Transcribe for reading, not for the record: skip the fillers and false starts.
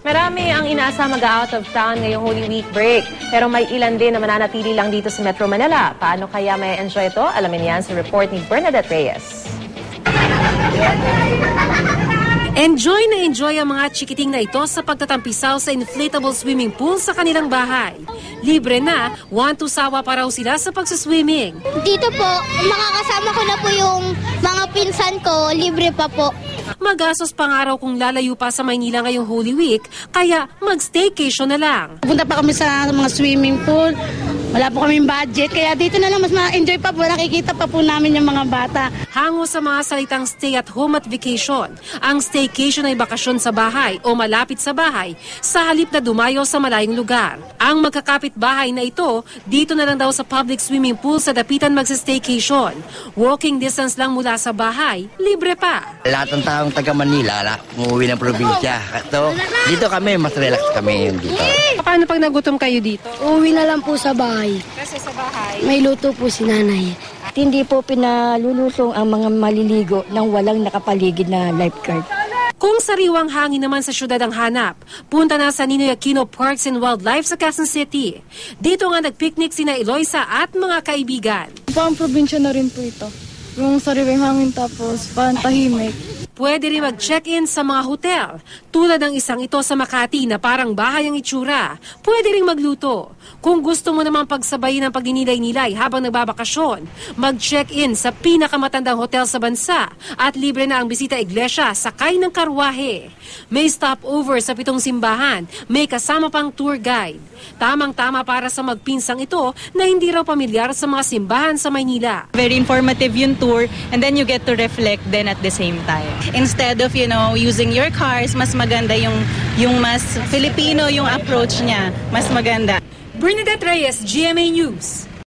Marami ang inaasa mag-out of town ngayong Holy Week break. Pero may ilan din na mananatili lang dito sa Metro Manila. Paano kaya may enjoy ito? Alamin yan sa report ni Bernadette Reyes. Enjoy na enjoy ang mga chikiting na ito sa pagtatampisaw sa inflatable swimming pool sa kanilang bahay. Libre na, sawa pa raw sila sa pagsaswimming. Dito po, makakasama ko na po yung mga pinsan ko, libre pa po. Magastos pang araw kung lalayo pa sa Maynila ngayong Holy Week, kaya mag-staycation na lang. Punta pa kami sa mga swimming pool. Wala po kaming budget, kaya dito na lang mas ma-enjoy pa po. Nakikita pa po namin yung mga bata. Hango sa mga salitang stay at home at vacation. Ang staycation ay bakasyon sa bahay o malapit sa bahay sa halip na dumayo sa malayong lugar. Ang magkakapit-bahay na ito, dito na lang daw sa public swimming pool sa dapitan magsa-staycation. Walking distance lang mula sa bahay, libre pa. Lahat ng taong taga Manila, umuwi ng probinsya. So, dito kami, mas relax kami yung dito. Paano pag nagutom kayo dito? Uwi na lang po sa bahay. Kasi sa bahay, May luto po si nanay. At hindi po pinalulusong ang mga maliligo nang walang nakapaligid na lifeguard. kung sariwang hangin naman sa syudad ang hanap, punta na sa Ninoy Aquino Parks and Wildlife sa Quezon City. Dito nga nagpicnic sina Eloisa at mga kaibigan. Pang probinsya na rin po ito. Yung sariwang hangin tapos pantahimik. Pwede rin mag-check-in sa mga hotel, tulad ng isang ito sa Makati na parang bahay ang itsura. Pwede rin magluto. Kung gusto mo namang pagsabayin ang pagninilay-nilay habang nagbabakasyon, mag-check-in sa pinakamatandang hotel sa bansa at libre na ang bisita iglesia sakay ng karwahe. May stopover sa 7 simbahan, may kasama pang tour guide. Tamang-tama para sa magpinsang ito na hindi raw pamilyar sa mga simbahan sa Maynila. Very informative yung tour and then you get to reflect then at the same time. Instead of, using your cars, mas maganda yung mas Filipino yung approach niya, mas maganda. Bernadette Reyes, GMA News.